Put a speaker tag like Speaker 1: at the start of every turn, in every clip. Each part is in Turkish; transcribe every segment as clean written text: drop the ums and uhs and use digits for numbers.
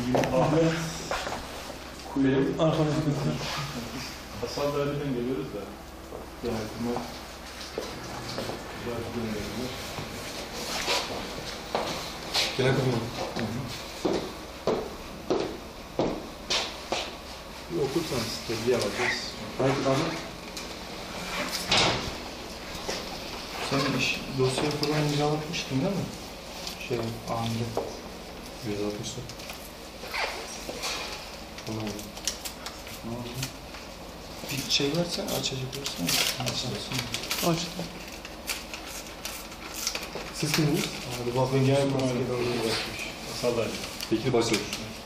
Speaker 1: Ahmet Kuleli.
Speaker 2: Arkadaşlar.
Speaker 1: Hasan Derneği'nden geliyoruz da. Yardıma geliyoruz.
Speaker 2: Gene kızım.
Speaker 1: Bir okursanız tebliğ alacağız.
Speaker 2: Haydi Ahmet. Sen dosyayı falan imzalatmıştın değil mi? Anında.
Speaker 3: 160'da.
Speaker 2: Tamam. Bir şey versen açacak olursan. Açtım.
Speaker 3: Siz kimdiniz?
Speaker 1: Hadi bakın gel maskeli oraya bakmış. Hasan
Speaker 3: Bekir Başçavuş.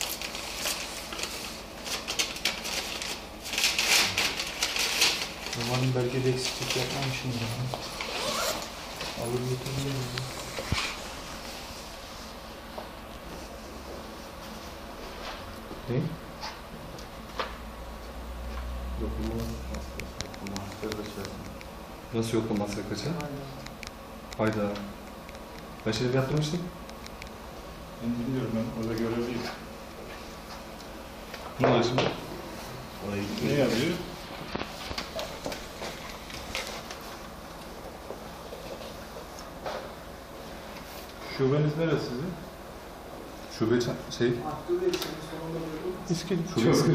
Speaker 2: Umarım belgede eksiklik yapmamışım ya. Alır götürürüm ya.
Speaker 3: Ne? Nasıl yok olmazsa kaça? Hayda. Ben şeyleri yaptırmıştım.
Speaker 1: Ben bilmiyorum, ben orada görevliyim.
Speaker 3: Ne oluyor şimdi?
Speaker 1: Ne yazıyor? Şubeniz neresi sizin?
Speaker 3: Şube şey...
Speaker 2: İskili.
Speaker 3: Şube sıkı.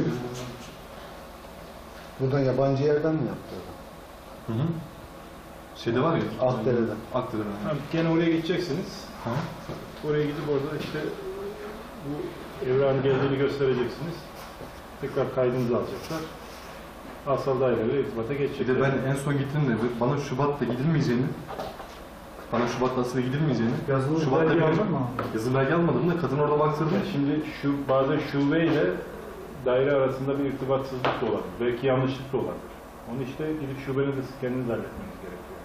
Speaker 4: Buradan yabancı yerden mi yaptı?
Speaker 3: Hı hı. Şeyde var ya.
Speaker 4: Akdere'den.
Speaker 3: Akdere'den.
Speaker 1: Ha, gene oraya gideceksiniz.
Speaker 3: Ha?
Speaker 1: Oraya gidip orada işte bu evran geldiğini göstereceksiniz. Tekrar kaydınızı alacaklar. Asal daireyle irtibata
Speaker 3: Bir
Speaker 1: geçecekler.
Speaker 3: de ben en son gittiğimde bana Şubat'ta gidilmeyeceğini, Şubat'ta aslında gidilmeyeceğini,
Speaker 2: Yazılı
Speaker 3: Şubat'ta
Speaker 2: belge
Speaker 3: bir
Speaker 2: aldın mı?
Speaker 3: yazılı belge almadım da kadın orada baktırdı.
Speaker 1: Yani şimdi bazen şube ile daire arasında bir irtibatsızlık da olabilir. Belki yanlışlık da olabilir. Onu işte gidip şubenizi kendiniz halletmeniz gerekiyor.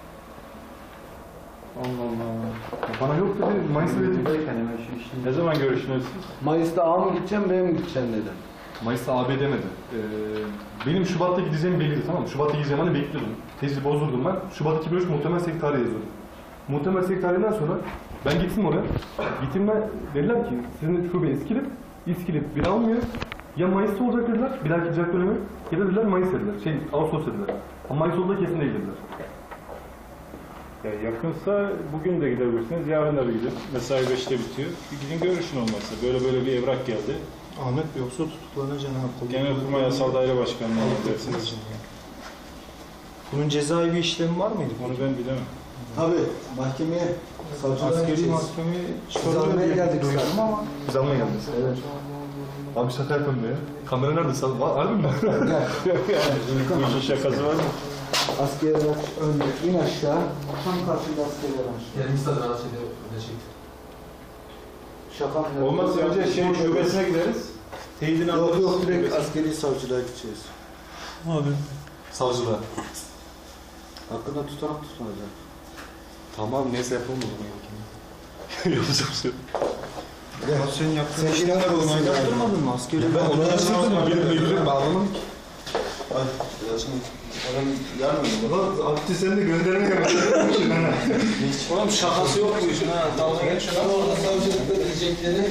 Speaker 3: Allah Allah. Bana yok dedi, Mayıs'ta dedi.
Speaker 1: Ne zaman görüşüyorsunuz?
Speaker 4: Mayıs'ta A mı gideceğim, B mi gideceğim dedi.
Speaker 3: Mayıs'ta AB demedi. Benim Şubat'ta gideceğim belliydi, tamam mı? Şubat'ta gideceğim hani bekliyordum. Tezi bozdurdum ben. Şubat 2003 muhtemel sekretariye yazıyordum. Muhtemel sekretariyetten sonra ben gittim oraya. Gittiğimde dediler ki sizin şube İskilip bir almıyor. Ya Mayıs'ta olacak dediler, bir dahaki icra dönemi. Ya da dediler Mayıs dediler, Ağustos dediler. Ama Mayıs olduğu kesin değil dediler.
Speaker 1: Ya yakınsa bugün de gidebilirsiniz, yarın da bir gidin. Mesai 5'te bitiyor. Bir gidin görüşün olmazsa. Böyle bir evrak geldi.
Speaker 2: Ahmet Bey yoksa tutuklanacaksın ha.
Speaker 1: Genelkurmay Yasal Daire Başkanlığı'na gidersiniz.
Speaker 2: Bunun cezai bir işlemi var mıydı?
Speaker 1: Onu ben bilemem.
Speaker 4: Tabii, mahkemeye, savcılığa
Speaker 2: Askeri
Speaker 4: gideceğiz.
Speaker 2: mahkemeye
Speaker 4: Biz almaya geldik
Speaker 2: duydum
Speaker 4: zaten.
Speaker 2: ama.
Speaker 3: Biz almaya geldik.
Speaker 4: Evet.
Speaker 3: Abi şaka yapalım ya. Kamera nerede? Harbi mi?
Speaker 1: Bu işin şakası var mı?
Speaker 4: Askerler önde, in aşağı. Tam karşında askerler aşağı.
Speaker 5: Kendisi de rahatsız ediyor. Öyle şey.
Speaker 4: Şaka mı?
Speaker 1: Olmazsa önce şubesine gideriz. Teyidini alırız.
Speaker 4: Yok direkt askeri savcılığa gideceğiz.
Speaker 2: Abi.
Speaker 3: Savcılığa.
Speaker 4: Hakkında tutanak tutulacak.
Speaker 3: Tamam neyse yapalım o zaman. Yapacak bir şey yok.
Speaker 2: Ya sen yaptığın işlemler onaylattırmadın mı? Askeri
Speaker 3: Ben onu yaşadım ama benim ilgilim bağlamadım ki.
Speaker 4: Ay, şimdi adam yarmıyor mu?
Speaker 3: Ulan Abdü sen de göndermeye başladın ha.
Speaker 5: Oğlum şakası yok bu işin ha. Dalga geçiyor. Ama orada savcılıkta diyecekleri.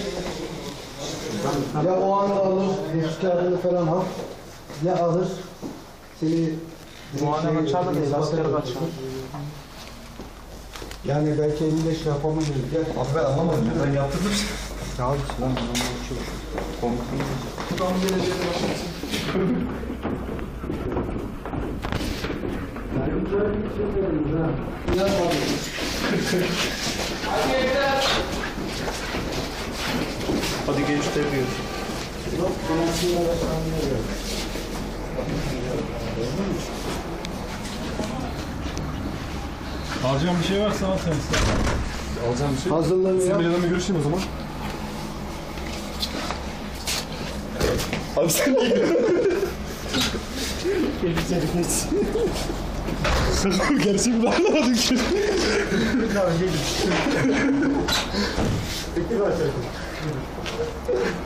Speaker 4: Ya o anı alır, nüfus kağıdını falan al. Ya alır, seni...
Speaker 2: Muhane kaçar da değil, asker kaçar.
Speaker 4: Yani belki 55 yapamayız. Gel.
Speaker 3: Abi ben anlamadım ya. Ben yaptırdım.
Speaker 2: Ne abi lan adamlar çok komutan.
Speaker 4: Buradan geleceğine başlasın. Yani güzel bir şey veriyoruz ha. İnan tabii.
Speaker 2: Hadi geç de diyor.
Speaker 4: Yok, konakçıyla başlanmıyor.
Speaker 1: Alacağım bir şey varsa al sen.
Speaker 3: Alacağım bir şey.
Speaker 4: Hazırlanıyor.
Speaker 3: Sizin bir adamla görüşeyim o zaman. Abi sen niye Sakın gerçek bir anlamadım ki.
Speaker 4: Peki başlayalım.